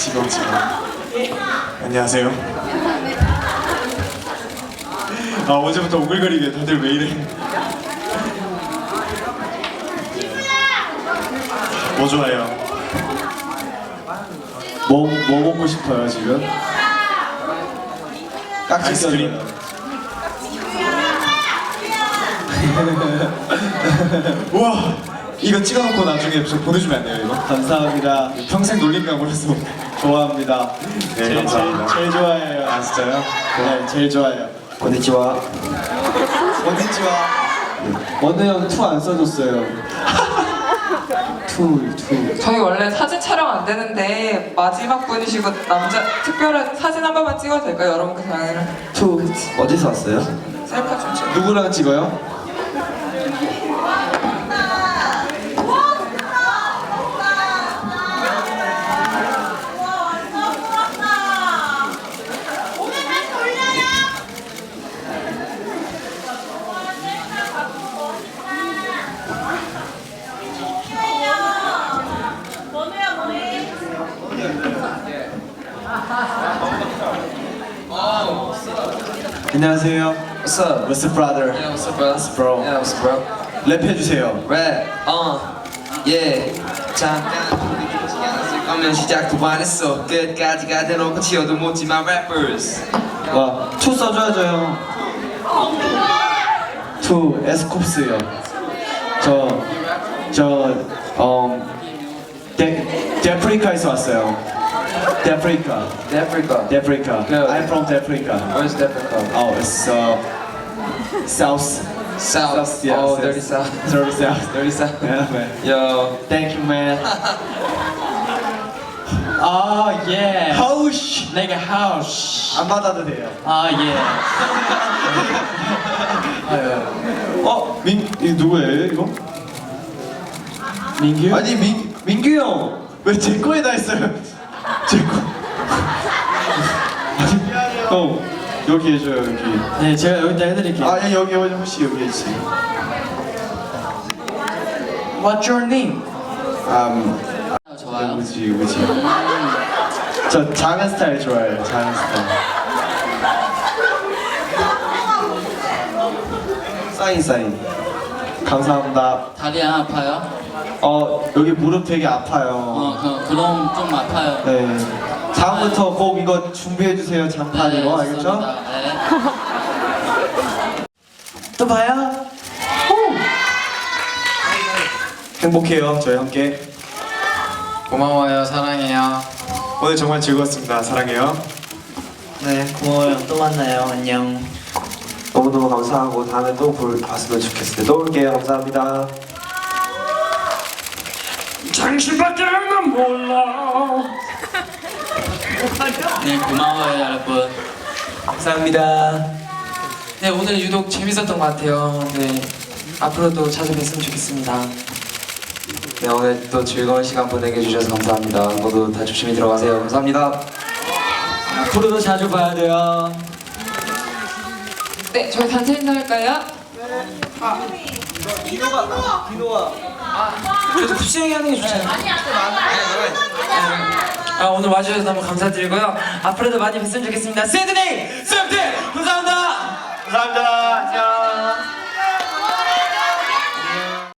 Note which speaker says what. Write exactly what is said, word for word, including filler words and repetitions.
Speaker 1: 지금 지금. 안녕하세요. 아 어제부터 오글거리게 다들 왜 이래? 뭐 좋아해요? 뭐, 뭐 먹고 싶어요 지금? 아이스크림? 우와! 이거 찍어놓고 나중에 저 보내주면 안 돼요 이거? 감사합니다. 평생 놀림감으로서 좋아합니다. 네, 제일, 감사합니다. 제일, 제일 좋아해요. 아 진짜요? 네, 제일 좋아해요.
Speaker 2: 건니치와.
Speaker 1: 원진지와 원우 형 투 안 써줬어요. 투, 투.
Speaker 3: 저희 원래 사진 촬영 안 되는데 마지막 분이시고 남자 특별한 사진 한 번만 찍어도 될까요? 여러분 그 장면을
Speaker 2: 투. 어디서 왔어요?
Speaker 3: 셀카 좀 찍어.
Speaker 1: 누구랑 찍어요? 안녕하세요.
Speaker 4: What's up?
Speaker 1: What's up, brother?
Speaker 4: Yeah, what's up, bro?
Speaker 1: What's up, bro?
Speaker 4: Yeah, what's up, bro?
Speaker 1: 랩해주세요.
Speaker 4: Rap, uh, yeah. 잠깐 우리 죽지 않았을 거면 시작도 안 했어. 끝까지 가대놓고 치어도 못지만 rappers.
Speaker 1: 와, 투 써줘야죠, 형. 투, 에스콥스요. 저, 저, 어, 데, 데프리카에서 왔어요. 데프리카.
Speaker 4: Africa.
Speaker 1: 데프리카.
Speaker 4: Yeah.
Speaker 1: I'm from Deprika.
Speaker 4: Where's Africa?
Speaker 1: Oh, it's uh, south.
Speaker 4: South.
Speaker 1: yes,
Speaker 4: Oh,
Speaker 1: yes.
Speaker 4: dirty south.
Speaker 1: Dirty south.
Speaker 4: Dirty south.
Speaker 1: Yeah, man.
Speaker 4: Yo.
Speaker 1: Thank you, man.
Speaker 5: Oh yeah.
Speaker 1: 하우시.
Speaker 5: Like a house.
Speaker 1: 안 받아도 돼요.
Speaker 5: Oh yeah.
Speaker 1: 어, 민, 이 누구예요, 이거? 민규? 아니, 민, 민규 형! 왜 제 거에다 했어요? 제 거. 아니, 형, 여기 해줘요, 여기.
Speaker 5: 네, 제가 여기다 해드릴게요.
Speaker 1: 아, 여기, 여기, 혹시 여기 해주세요.
Speaker 5: What's your name?
Speaker 1: 음,
Speaker 5: 좋아요.
Speaker 1: 우지, 우지. 저 작은 스타일 좋아해요, 작은 스타일. 사인, 사인. 감사합니다.
Speaker 5: 다리 안 아파요?
Speaker 1: 어, 여기 무릎 되게 아파요.
Speaker 5: 어, 그, 그럼 좀 아파요.
Speaker 1: 네. 다음부터 꼭 이거 준비해주세요, 장판
Speaker 5: 네,
Speaker 1: 이거, 알겠죠?
Speaker 5: 좋습니다. 네.
Speaker 1: 또 봐요. 행복해요, 저희 함께.
Speaker 4: 고마워요, 사랑해요.
Speaker 1: 오늘 정말 즐거웠습니다. 사랑해요.
Speaker 5: 네, 고마워요. 또 만나요. 안녕.
Speaker 2: 너무너무 감사하고 다음에 또 볼, 봤으면 좋겠어요. 또 올게요. 감사합니다.
Speaker 5: 당신밖에 난 몰라. 네, 고마워요, 여러분.
Speaker 4: 감사합니다. 네, 오늘 유독 재밌었던 것 같아요. 네, 앞으로도 자주 뵀으면 좋겠습니다. 네, 오늘 또 즐거운 시간 보내게 해주셔서 감사합니다. 모두 다 조심히 들어가세요. 감사합니다.
Speaker 5: 앞으로도 자주 봐야 돼요.
Speaker 3: 네, 저희 단체 인사할까요?
Speaker 4: 그래도 푸시형이 하는 게 좋잖아요. 아, 오늘 와주셔서 너무 감사드리고요. 앞으로도 많이 뵀으면 좋겠습니다. 세드데이! 세븐데이! 감사합니다!
Speaker 1: 감사합니다.